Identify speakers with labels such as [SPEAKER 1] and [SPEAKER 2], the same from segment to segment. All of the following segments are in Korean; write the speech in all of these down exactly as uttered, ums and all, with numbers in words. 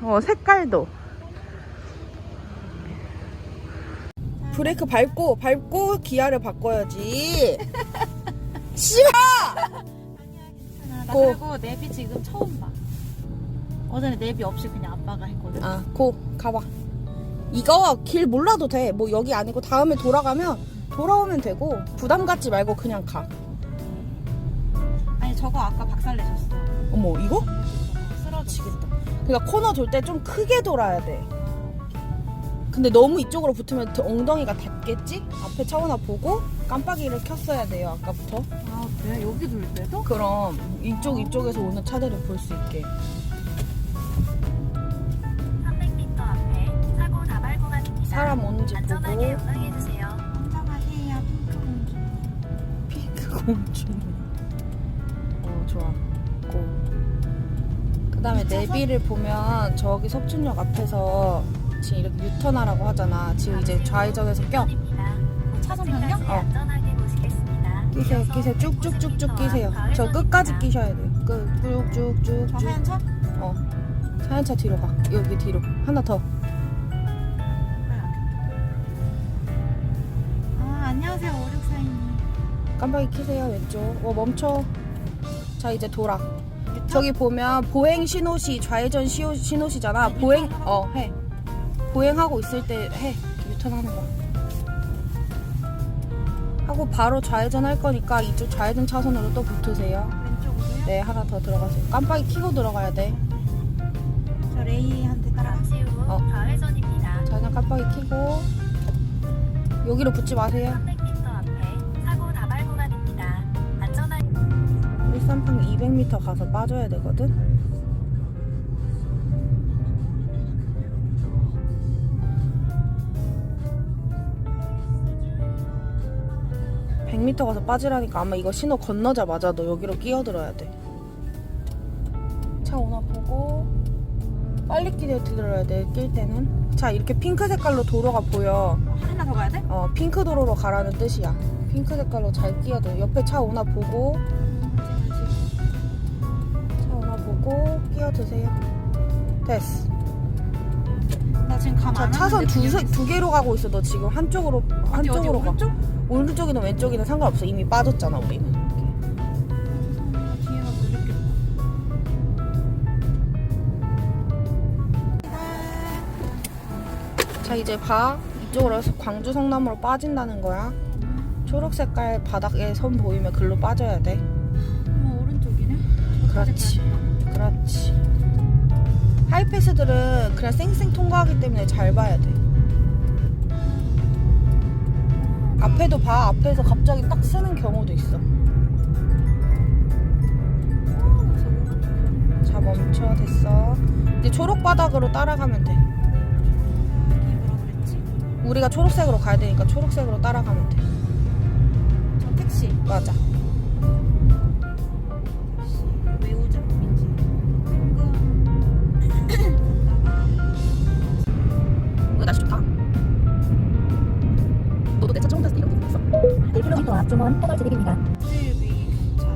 [SPEAKER 1] 어, 색깔도. 브레이크 밟고 밟고 기아를 바꿔야지. 씨발!
[SPEAKER 2] 나
[SPEAKER 1] 고.
[SPEAKER 2] 그리고 내비 지금 처음 봐. 어제는 내비 없이 그냥 아빠가 했거든.
[SPEAKER 1] 아, 고 가봐. 이거 길 몰라도 돼. 뭐 여기 아니고 다음에 돌아가면 돌아오면 되고 부담 갖지 말고 그냥 가.
[SPEAKER 2] 아니 저거 아까 박살 내셨어.
[SPEAKER 1] 어머, 이거?
[SPEAKER 2] 쓰러지겠다.
[SPEAKER 1] 그러니까 코너 돌 때 좀 크게 돌아야 돼. 근데 너무 이쪽으로 붙으면 엉덩이가 닿겠지? 앞에 차 하나 보고 깜빡이를 켰어야 돼요, 아까부터.
[SPEAKER 2] 아 그래? 여기 돌 때도?
[SPEAKER 1] 그럼 이쪽 이쪽에서 오는 차들을 볼 수 있게.
[SPEAKER 3] 삼백 미터 앞에 사고 다발 구간입니다.
[SPEAKER 1] 사람 오는지
[SPEAKER 3] 안전하게
[SPEAKER 1] 보고.
[SPEAKER 3] 운행해주세요.
[SPEAKER 2] 안전하세요, 핑크 공주.
[SPEAKER 1] 핑크 공주. 어, 좋아. 고. 그 다음에 내비를 보면 저기 석춘역 앞에서 지금 이렇게 유턴하라고 하잖아. 지금 이제 좌회전해서 껴.
[SPEAKER 2] 차선 변경?
[SPEAKER 1] 어.
[SPEAKER 3] 안전하게 모시겠습니다.
[SPEAKER 1] 끼세요, 끼세요. 쭉쭉쭉쭉 끼세요. 저 끝까지 끼셔야 돼요. 끝. 쭉쭉쭉쭉.
[SPEAKER 2] 저 하얀 차?
[SPEAKER 1] 어. 하얀 차 뒤로 가. 여기 뒤로. 하나 더.
[SPEAKER 2] 아 안녕하세요 오육사이님.
[SPEAKER 1] 깜빡이 켜세요. 왼쪽. 어, 멈춰. 자, 이제 돌아. 저기 보면 보행 신호시, 좌회전 시호, 신호시잖아. 보행, 어, 해. 보행하고 있을 때 해. 유턴하는 거. 하고 바로 좌회전 할 거니까 이쪽 좌회전 차선으로 또 붙으세요.
[SPEAKER 2] 왼쪽으로요?
[SPEAKER 1] 네, 하나 더 들어가세요. 깜빡이 켜고 들어가야 돼.
[SPEAKER 2] 저 레이한테 따라가.
[SPEAKER 3] 잠시 후
[SPEAKER 1] 어.
[SPEAKER 3] 좌회전입니다.
[SPEAKER 1] 좌회전 깜빡이 켜고 여기로 붙지 마세요.
[SPEAKER 3] 삼백 미터 앞에 사고 다발 구간입니다. 안전하게
[SPEAKER 1] 일산평 이백 미터 가서 빠져야 되거든. 백 미터 가서 빠지라니까 아마 이거 신호 건너자마자 너 여기로 끼어들어야 돼. 차 오나 보고 빨리 끼어들어야 돼. 낄 때는. 자, 이렇게 핑크 색깔로 도로가 보여.
[SPEAKER 2] 하나 더 가야 돼?
[SPEAKER 1] 어, 핑크 도로로 가라는 뜻이야. 핑크 색깔로 잘 끼어들. 옆에 차 오나 보고 차 오나 보고 끼어드세요. 됐어.
[SPEAKER 2] 나 지금 감
[SPEAKER 1] 자,
[SPEAKER 2] 안
[SPEAKER 1] 차선
[SPEAKER 2] 하는데
[SPEAKER 1] 두,
[SPEAKER 2] 그냥
[SPEAKER 1] 세, 두 개로 가고 있어. 너 지금 한쪽으로
[SPEAKER 2] 어디, 어디,
[SPEAKER 1] 한쪽으로 가.
[SPEAKER 2] 오른쪽?
[SPEAKER 1] 오른쪽이든 왼쪽이든 상관없어. 이미 빠졌잖아, 우리는.
[SPEAKER 2] 뒤에가 물렸겠다.
[SPEAKER 1] 자, 이제 봐. 이쪽으로 해서 광주 성남으로 빠진다는 거야. 초록 색깔 바닥에 선 보이면 글로 빠져야 돼.
[SPEAKER 2] 어머 오른쪽이네?
[SPEAKER 1] 그렇지. 그렇지. 하이패스들은 그냥 쌩쌩 통과하기 때문에 잘 봐야 돼. 앞에도 봐. 앞에서 갑자기 딱 쓰는 경우도 있어. 자, 멈춰. 됐어. 이제 초록 바닥으로 따라가면 돼.
[SPEAKER 2] 이게 뭐라 그랬지?
[SPEAKER 1] 우리가 초록색으로 가야 되니까 초록색으로 따라가면 돼.
[SPEAKER 2] 저 택시.
[SPEAKER 1] 맞아.
[SPEAKER 2] 택시. 왜 오죠? 민지.
[SPEAKER 1] 이거 날씨 좋다. 너도 내 차 처음 탔을 때 이런 게 있어?
[SPEAKER 4] 일 킬로미터 앞 중원 터널 진입입니다.
[SPEAKER 2] 수일비 경찰.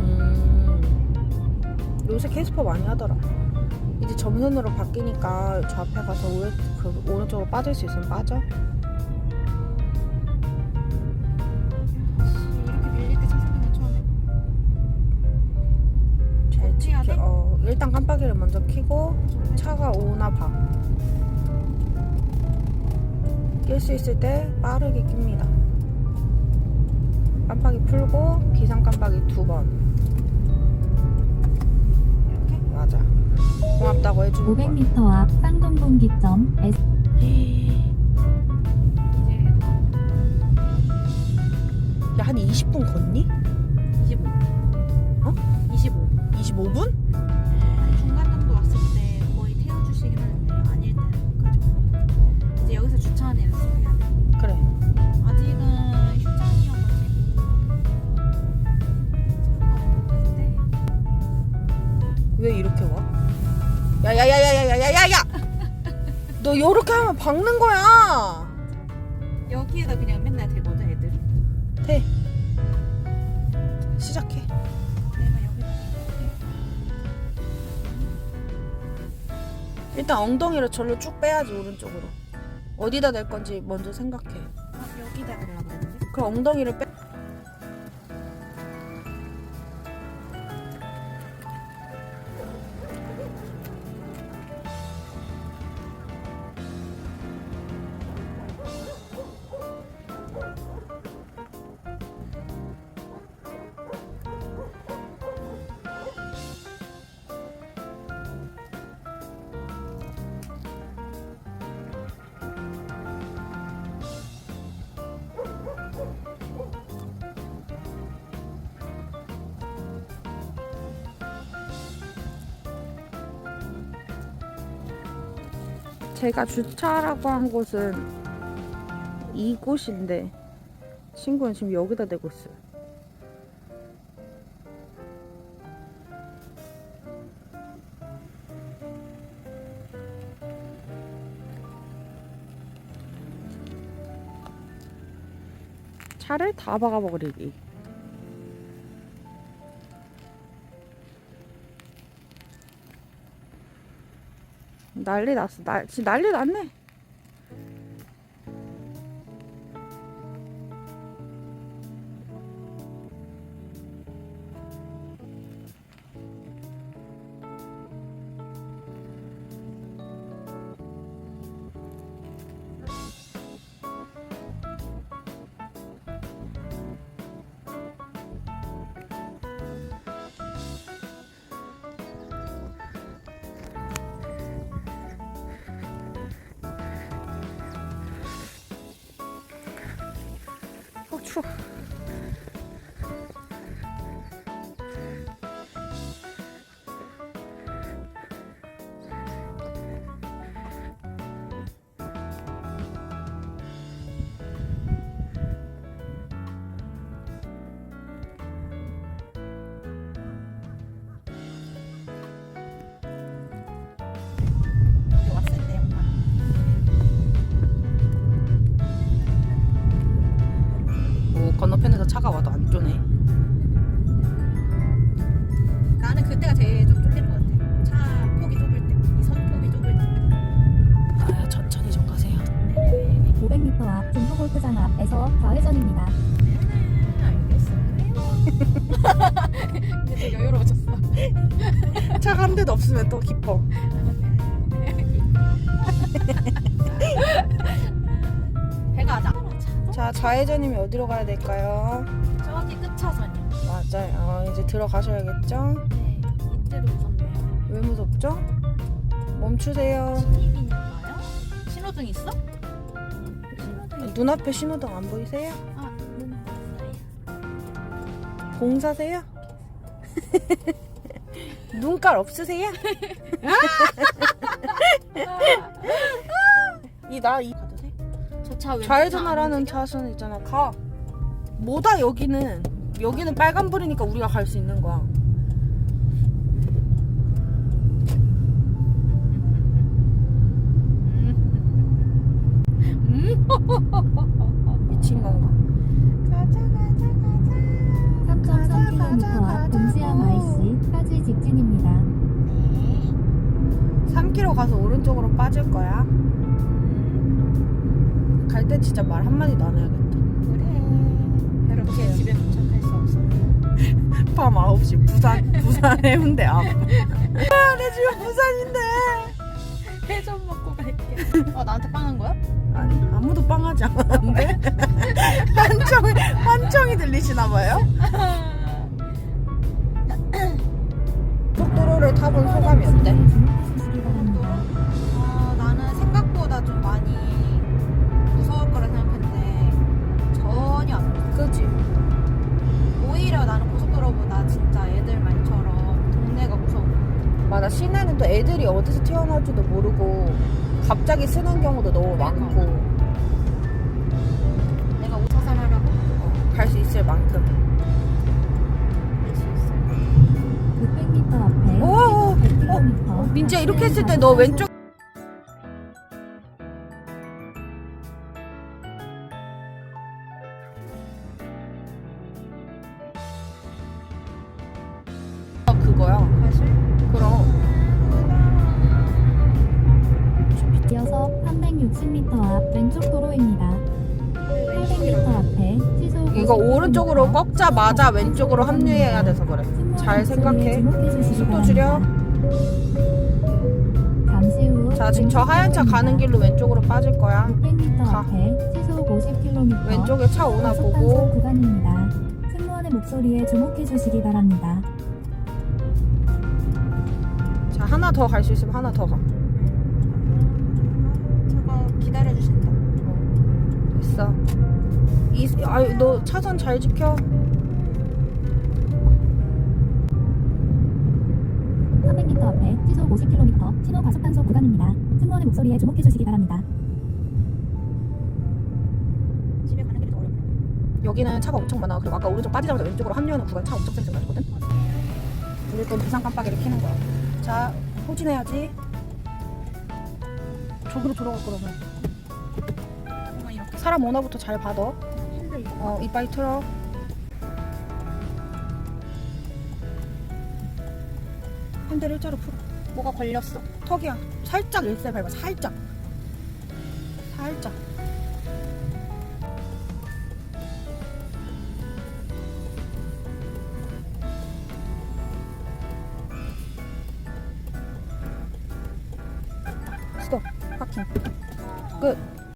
[SPEAKER 1] 음, 요새 캐스퍼 많이 하더라. 이제 점선으로 바뀌니까 저 앞에 가서 오른, 그 오른쪽으로 빠질 수 있으면 빠져.
[SPEAKER 2] 이렇게 밀릴 때 차 세는 건 처음에.
[SPEAKER 1] 잘
[SPEAKER 2] 어떻게 해야
[SPEAKER 1] 지켜.
[SPEAKER 2] 돼?
[SPEAKER 1] 어, 일단 깜빡이를 먼저 켜고 차가 오나 봐. 낄 수 있을 때 빠르게 낍니다. 깜빡이 풀고 비상 깜빡이 두 번.
[SPEAKER 2] 이렇게?
[SPEAKER 1] 맞아. 고맙다고 해주는
[SPEAKER 4] 오백
[SPEAKER 1] 거야.
[SPEAKER 4] 미터 앞 쌍동분기점 S
[SPEAKER 2] 이제
[SPEAKER 1] 야, 한 이십 분 걷니?
[SPEAKER 2] 이십오.
[SPEAKER 1] 어?
[SPEAKER 2] 이십오.
[SPEAKER 1] 이십오 분?
[SPEAKER 2] 중간 정도 왔을 때 거의 태워주시긴 하는데 아닐 때는 그 정도. 이제 여기서 주차하는 연습해야 돼.
[SPEAKER 1] 그래.
[SPEAKER 2] 아직은 휴장이어가지고 차가 없는데.
[SPEAKER 1] 왜 이렇게 와? 야야야야야야야야야! 너 요렇게 하면 박는 거야.
[SPEAKER 2] 여기에다 그냥 맨날 대거든 애들.
[SPEAKER 1] 돼. 시작해.
[SPEAKER 2] 내가 여기다
[SPEAKER 1] 일단 엉덩이를 절로 쭉 빼야지 오른쪽으로. 어디다 댈 건지 먼저 생각해.
[SPEAKER 2] 아, 여기다 그러려고 그랬는데.
[SPEAKER 1] 그럼 엉덩이를 빼. 제가 주차라고 한 곳은 이곳인데 친구는 지금 여기다 대고 있어요. 차를 다 박아버리기. 난리 났어. 날, 지금 난리 났네. 어, 추워.
[SPEAKER 2] 여기 왔을 때 약간
[SPEAKER 1] 오, 건너편에서 차가 와도 안 쪼네.
[SPEAKER 2] 나는 그때가 제일 좀 쫄리는 것 같아. 차 폭이 좁을 때, 이 선 폭이 좁을 때.
[SPEAKER 1] 아, 천천히 좀 가세요.
[SPEAKER 4] 오백 미터 앞 중부골프장 앞에서 좌회전입니다.
[SPEAKER 2] 알겠어요. 이제 좀 여유로워졌어.
[SPEAKER 1] 차가 한 대도 없으면 또 기뻐.
[SPEAKER 2] 배가 하자.
[SPEAKER 1] 자, 좌회전이면 어디로 가야 될까요?
[SPEAKER 2] 저기 끝차선이요.
[SPEAKER 1] 맞아요. 어, 이제 들어가셔야겠죠?
[SPEAKER 2] 네, 이때도 무섭네요.
[SPEAKER 1] 왜 무섭죠? 멈추세요.
[SPEAKER 2] 신입이니까요? 신호등 있어? 신호등
[SPEAKER 1] 눈앞에 신호등 안 보이세요?
[SPEAKER 2] 아, 눈 봤어요.
[SPEAKER 1] 공사세요? 눈깔 없으세요? 이 나 이 가도 돼?
[SPEAKER 2] 저차 왼쪽
[SPEAKER 1] 좌회전하라는 차선 있잖아. 가. 뭐다 여기는. 여기는 빨간불이니까 우리가 갈 수 있는 거야. 미친 건가? 가자 가자 가자.
[SPEAKER 4] 삼 점 삼 킬로미터 앞 동시암 아이씨까지 직진입니다.
[SPEAKER 1] 삼 킬로미터 가서 오른쪽으로 빠질 거야. 갈 때 진짜 말 한마디도 안 해야겠다.
[SPEAKER 2] 그래. 이렇게 집에 도착할 수 없어.
[SPEAKER 1] 밤 아홉 시 부산 부산 해운대 앞. 아, 내 집은 부산인데.
[SPEAKER 2] 회전 먹고 갈게. 어, 나한테 빵한 거야?
[SPEAKER 1] 아니 아무도 빵하지 않았는데. 환청이 환청이 들리시나 봐요. 고속도로를 타본 소감이 어때?
[SPEAKER 2] 아, 나는 생각보다 좀 많이 무서울 거라 생각했는데 전혀 안 무서워.
[SPEAKER 1] 그지?
[SPEAKER 2] 오히려 나는 고속도로보다 진짜 애들 말처럼 동네가 무서워.
[SPEAKER 1] 맞아. 시내는 또 애들이 어디서 튀어나올지도 모르고 갑자기 쓰는 경우도 너무 많고
[SPEAKER 2] 내가 오 차선 하라고
[SPEAKER 1] 어, 갈 수 있을 만큼.
[SPEAKER 2] 할 수 있어.
[SPEAKER 4] 육백 미터 앞에
[SPEAKER 1] 오,
[SPEAKER 4] 백 킬로미터.
[SPEAKER 1] 민지야 이렇게 했을 때 너 왼쪽 그거야.
[SPEAKER 2] 사실
[SPEAKER 1] 그럼
[SPEAKER 4] 육십 미터 앞 왼쪽 도로입니다. 팔백 미터 앞에 시속
[SPEAKER 1] 이거
[SPEAKER 4] 오십
[SPEAKER 1] 오른쪽으로
[SPEAKER 4] 킬로미터
[SPEAKER 1] 꺾자마자 왼쪽으로 합류해야 돼서 그래. 잘 생각해. 속도 줄여.
[SPEAKER 4] 잠시 후
[SPEAKER 1] 자, 지금 저 하얀 차 가는 길로 왼쪽으로 빠질 거야.
[SPEAKER 4] 육백 미터
[SPEAKER 1] 가.
[SPEAKER 4] 앞에 시속 오십 킬로미터
[SPEAKER 1] 왼쪽에 차 오나
[SPEAKER 4] 과속
[SPEAKER 1] 보고.
[SPEAKER 4] 단속 구간입니다. 승무원의 목소리에 주목해 주시기 바랍니다.
[SPEAKER 1] 자, 하나 더 갈 수 있으면 하나 더 가.
[SPEAKER 2] 저거 기다려 주신다.
[SPEAKER 1] 됐어. 이, 아유, 너 차선 잘 지켜.
[SPEAKER 4] 삼백 미터 앞에 시속 오십 킬로미터 신호 과속 단속 구간입니다. 승무원의 목소리에 주목해 주시기 바랍니다.
[SPEAKER 2] 집에 가는 길이 더 어렵네.
[SPEAKER 1] 여기는 차가 엄청 많아. 그리고 아까 오른쪽 빠지자마자 왼쪽으로 합류하는 구간 차 엄청 쌩쌩 가거든. 우리 건 비상 깜빡이를 켜는 거야. 자, 후진해야지. 저기로 돌아갈 거라면.
[SPEAKER 2] 뭔가 이렇게
[SPEAKER 1] 사람 오나부터 잘 받아.
[SPEAKER 2] 핸들 이거.
[SPEAKER 1] 어, 이빨 틀어. 핸들 일자로 풀어.
[SPEAKER 2] 뭐가 걸렸어.
[SPEAKER 1] 턱이야. 살짝 일세 밟아. 살짝. 살짝. 스톱. 파킹. 끝.